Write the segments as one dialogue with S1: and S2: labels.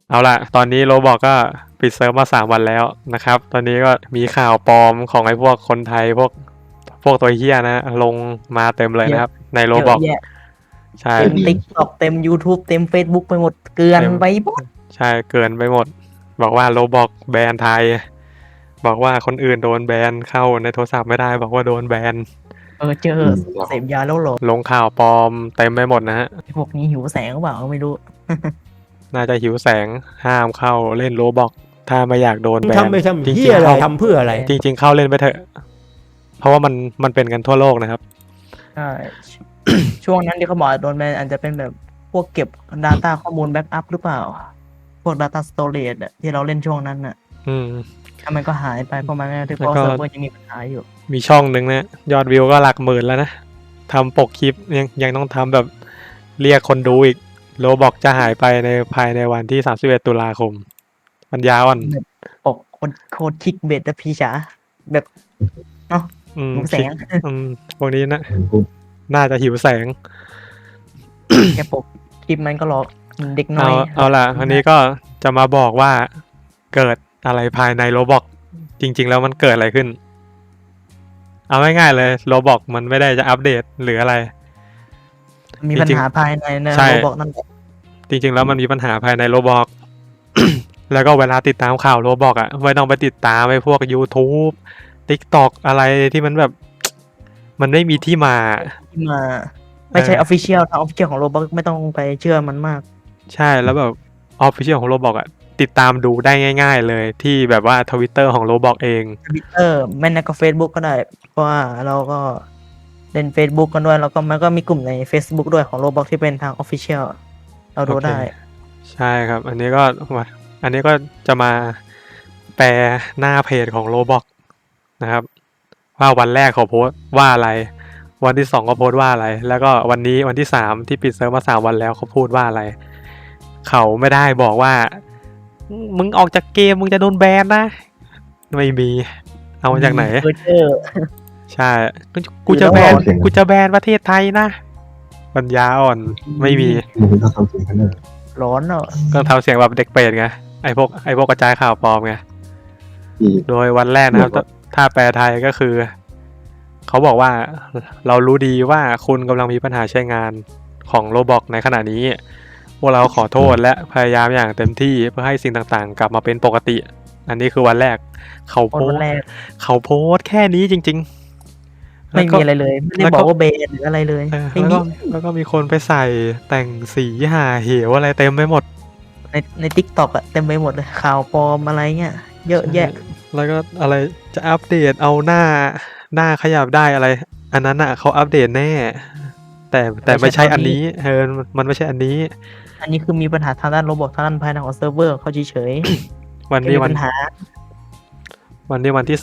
S1: เอาล่ะตอนนี้โรบอกก็ปิดเซิร์ฟมา3 วันแล้วนะครับตอนนี้ก็มีข่าวปลอมของไอ้พวกคนไทยพวกตัวเหี้ยนะลงมาเต็มเลยนะครับในโรบอกใช่
S2: เต็ม TikTok เต็ม YouTube เต็ม Facebook ไปหมดเกลือนไปหมด
S1: ใช่เกินไปหมดบอกว่าโรบอกแบนไทยบอกว่าคนอื่นโดนแบนเข้าในโทรศัพท์ไม่ได้บอกว่าโดนแบน
S2: เจอเสพยาแล้วหรอ
S1: ลงข่าวปลอมเต็มไปหมดนะฮะ
S2: พวกนี้หิวแสงหรือเปล่าไม่รู้
S1: น่าจะหิวแสงห้ามเข้าเล่นโรบอกถ้าไม่อยากโดนแบน
S3: ทำไปทำเหี้ยอะไรทำเพื่ออะไร
S1: จริงๆเข้าเล่นไปเถอะเพราะว่ามันเป็นกันทั่วโลกนะครับ
S2: ใช่ ช่วงนั้นที่เขาบอกโดนแบนอาจจะเป็นแบบพวกเก็บ Data ข้อมูลแบ็กอัพหรือเปล่าพวก Data Storage ที่เราเล่นช่วงนั้นน่ะถ้ามันก็หายไปเพราะมันที่เพราะเซิร์ฟเวอร์ยังมีปัญหาอยู่
S1: มีช่องหนึ่งนะยอดวิวก็หลักหมื่นแล้วนะทำปกคลิปยังต้องทำแบบเรียกคนดูอีกโรบอกจะหายไปในภายในวันที่31 ตุลาคมมันยาวอ่ะ
S2: ปกโคตรคิกเบ็ดนะพี่จ๋าแบบเนาะหิวแสง
S1: พวกนี้นะน่าจะหิวแสง
S2: แค่ปกคลิปมันก็หลอกเด็กน้อย
S1: เอาล่ะวันนี้ก็จะมาบอกว่าเกิดอะไรภายในโรบอกจริงๆแล้วมันเกิดอะไรขึ้นเอาง่ายๆเลยโรบอกมันไม่ได้จะอัปเดตหรืออะไร
S2: มีปัญหาภายในโรบอกนั่นแหละ
S1: จริงๆแล้วมันมีปัญหาภายในโรบอก แล้วก็เวลาติดตามข่าวโรบอกอ่ะไม่ต้องไปติดตามไอ้พวก YouTube TikTok อะไรที่มันแบบมันไม่มีที่มา
S2: ไม่ใช่ official ทาง official ของโรบอกไม่ต้องไปเชื่อมันมาก
S1: ใช่แล้วแบบ official ของโรบอกอ่ะติดตามดูได้ง่ายๆเลยที่แบบว่า Twitter ของโรบอกเอง
S2: Twitter ไม่นะก็ Facebook ก็ได้เพราะว่าเราก็เล่น Facebook กันด้วยแล้วก็มันก็มีกลุ่มใน Facebook ด้วยของโรบอกที่เป็นทาง official เราดูได้
S1: ใช่ครับอันนี้ก็จะมาแปลหน้าเพจของโรบอกนะครับว่าวันแรกเขาโพสว่าอะไรวันที่2ก็โพสว่าอะไรแล้วก็วันนี้วันที่3ที่ปิดเซิร์ฟมา3 วันแล้วเขาพูดว่าอะไรเขาไม่ได้บอกว่ามึงออกจากเกมมึงจะโดนแบนนะไม่มีเอามาจากไหนใช่กูจะแบนประเทศไทยนะปัญญาอ่อนไม่มี
S2: ร้อนเนอะ
S1: ก็ทำเสียงแบบเด็กเปรตไงไอพวกกระจายข่าวปลอมไงโดยวันแรกนะครับถ้าแปลไทยก็คือเขาบอกว่าเรารู้ดีว่าคุณกำลังมีปัญหาใช้งานของโรบอกในขณะนี้พวกเราขอโทษและพยายามอย่างเต็มที่เพื่อให้สิ่งต่างๆกลับมาเป็นปกติอันนี้คือวันแรกเขาโพสแค่นี้จริง
S2: ๆไม่มีอะไรเลยไม่ได้บอกว่าเบนหรืออะไรเลย
S1: แล้วก็มีคนไปใส่แต่งสีหาเหวอะไรเต็มไปหมด
S2: ใน TikTok อ่ะเต็มไปหมดเลยข่าวปลอมอะไรเงี้ยเยอะแยะ
S1: แล้วก็อะไรจะอัปเดตเอาหน้าขยับได้อะไรอันนั้นอ่ะเขาอัปเดตแน่แต่ไม่ใช่อันนี้มันไม่ใช่อันนี้
S2: คือมีปัญหาทางด้านระบบทางด้านภายในของเซิร์ฟเวอร์เขาเฉย
S1: ๆวันที่2วันที่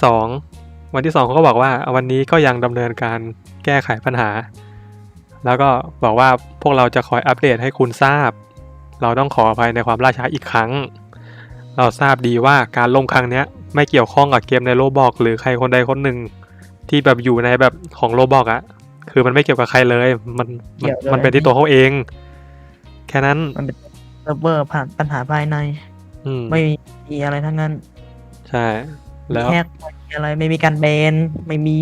S1: 2เขาก็บอกว่าวันนี้ก็ยังดำเนินการแก้ไขปัญหาแล้วก็บอกว่าพวกเราจะคอยอัปเดตให้คุณทราบเราต้องขออภัยในความล่าช้าอีกครั้งเราทราบดีว่าการล่มครั้งนี้ไม่เกี่ยวข้องกับเกมในโรบอกหรือใครคนใดคนหนึ่งที่แบบอยู่ในแบบของโรบอกอ่ะคือมันไม่เกี่ยวกับใครเลยมันเป็นที่ตัวเขาเองแค่นั้น
S2: มันเป็นเซิร์ฟเวอร์ผ่านปัญหาภายในไม่มีอะไรทั้งนั้น
S1: ใช่แล้ว
S2: แฮกอะไรไม่มีการแบนไม่มี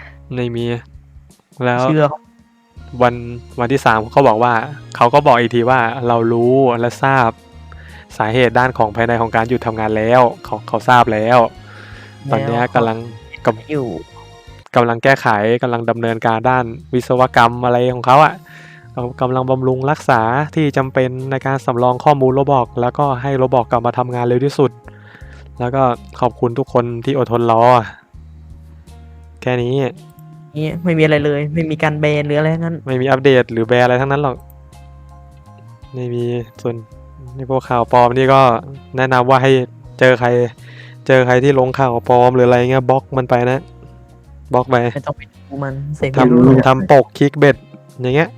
S1: แล้ว
S2: เชื่อ
S1: วันที่3เขาบอกว่าเขาก็บอกอีกทีว่าเรารู้และทราบสาเหตุด้านของภายในของการหยุดทำงานแล้วเขาทราบแล้วตอนนี้กำลังแก้ไขกำลังดำเนินการด้านวิศวกรรมอะไรของเขาอ่ะกำลังบำรุงรักษาที่จำเป็นในการสำรองข้อมูลโรบอกแล้วก็ให้โรบอกกลับมาทำงานเร็วที่สุดแล้วก็ขอบคุณทุกคนที่อดทนรอแค่นี้
S2: ไม่มีอะไรเลยไม่มีการแบนหรืออะไรทั้งนั้น
S1: ไม่มีอัปเดตหรือแบนอะไรทั้งนั้นหรอกไม่มีส่วนในพวกข่าวปลอมนี่ก็แนะนำว่าให้เจอใครที่ลงข่าวปลอมหรืออะไรเงี้ยบล็อกมันไปนะบล็อกไป
S2: ไม่ต้องไปดูมัน
S1: ทำปกคลิกเบ็ดอย่างเงี้ย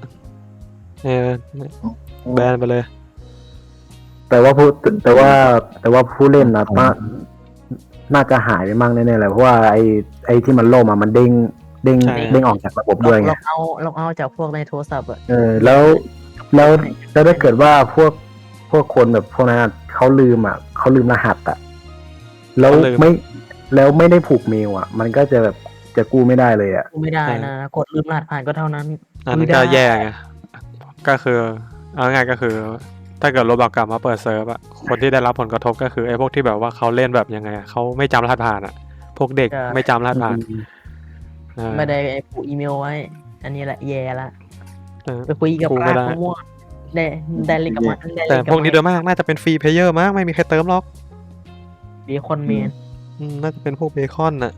S1: แบนไปเลย
S3: แต่ว่าผู้เล่นนะน่าจะหายไปมั่งแน่ๆเลยเพราะว่าไอ้ที่มันล่มมันเด้งออกจากระบบด้วยไง
S2: เราเอาจากพวกในโทรศัพท์อ่ะ
S3: แล้วถ้าเกิดว่าพวกคนแบบพวกนั้นเขเขาลืมรหัสแล้ว
S1: เขาลืม
S3: ไม่ได้ผูกเมลมันก็จะแบบจะกู้ไม่ได้เลย
S2: ไม่ได้นะกดลืมรหัสผ่านก็เท่านั้น
S1: อันนั้นก็แย่ไงก็คือเอาง่ายๆก็คือ ถ้าเกิดโรบอกกลับมาเปิดเซิร์ฟอะคนที่ได้รับผลกระทบก็คือไอ้พวกที่แบบว่าเขาเล่นแบบยังไงอะเขาไม่จำรหัสผ่านอะพวกเด็กไม่จำรหัสผ่าน
S2: ไม่ได้ผูกอีเมลไว้ อันนี้แหละแย่ละ
S1: เออ
S2: ไปคุยกับ
S1: กู
S2: รา
S1: ไม่
S2: ช
S1: ได้
S2: มั่วได้เล่นกับมันได้
S1: แต่
S2: เล่นกับ
S1: พวกนี้โดยมากน่าจะเป็นฟรีเพลเยอร์มั้งไม่มีใครเติมหรอก
S2: เบคอนเมน
S1: น่าจะเป็นพวกเบคอนน่ะ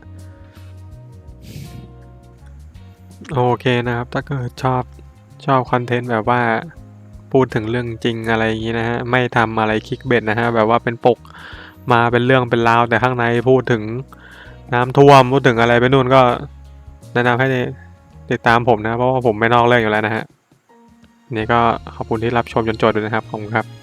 S1: โอเคนะครับ ถ้าเกิดชอบคอนเทนต์แบบว่าพูดถึงเรื่องจริงอะไรอย่างนี้นะฮะไม่ทำอะไรคลิกเบ็ดนะฮะแบบว่าเป็นปกมาเป็นเรื่องเป็นราวแต่ข้างในพูดถึงน้ำท่วมพูดถึงอะไรไปนู่นก็แนะนำให้ติดตามผมนะเพราะว่าผมไม่นอกเรื่องอยู่แล้วนะฮะนี่ก็ขอบคุณที่รับชมจนจบด้วยนะครับขอบคุณครับ